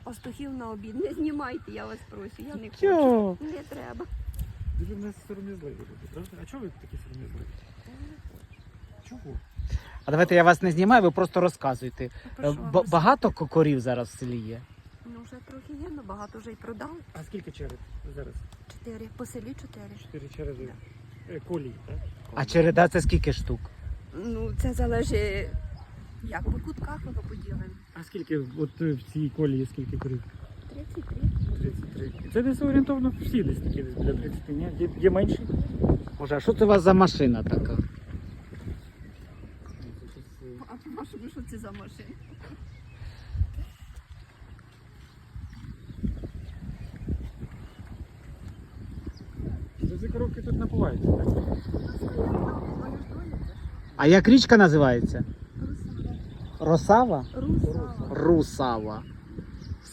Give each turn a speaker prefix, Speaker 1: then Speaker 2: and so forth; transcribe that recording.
Speaker 1: пастухів на обід. Не знімайте, я вас прошу, я не
Speaker 2: Чого?
Speaker 1: хочу. Не треба.
Speaker 3: Ви в нас сором'язливі люди, правда? А чого ви такі сором'язливі? Чого?
Speaker 2: А давайте я вас не знімаю, ви просто розказуйте.
Speaker 1: Про що вам
Speaker 2: Багато корів зараз в селі є?
Speaker 1: Ну, вже трохи є, але багато вже й продали.
Speaker 3: А скільки черед зараз?
Speaker 1: 4. По селі 4.
Speaker 3: 4 череди. Колії, так?
Speaker 2: А череда це скільки штук?
Speaker 1: Ну, це залежить, як по кутках воно поділено.
Speaker 3: А скільки от в цій колії скільки корів?
Speaker 1: 33.
Speaker 3: 33. І це десь орієнтовно всі десь такі десь біля 30, ні? Є менші?
Speaker 2: Боже, а що це у вас за машина така?
Speaker 1: А по-вашому, що це за машина?
Speaker 3: Ці коровки тут напуваються, так?
Speaker 2: А як річка називається?
Speaker 1: Русава.
Speaker 2: Росава?
Speaker 1: Русава.
Speaker 2: Русава.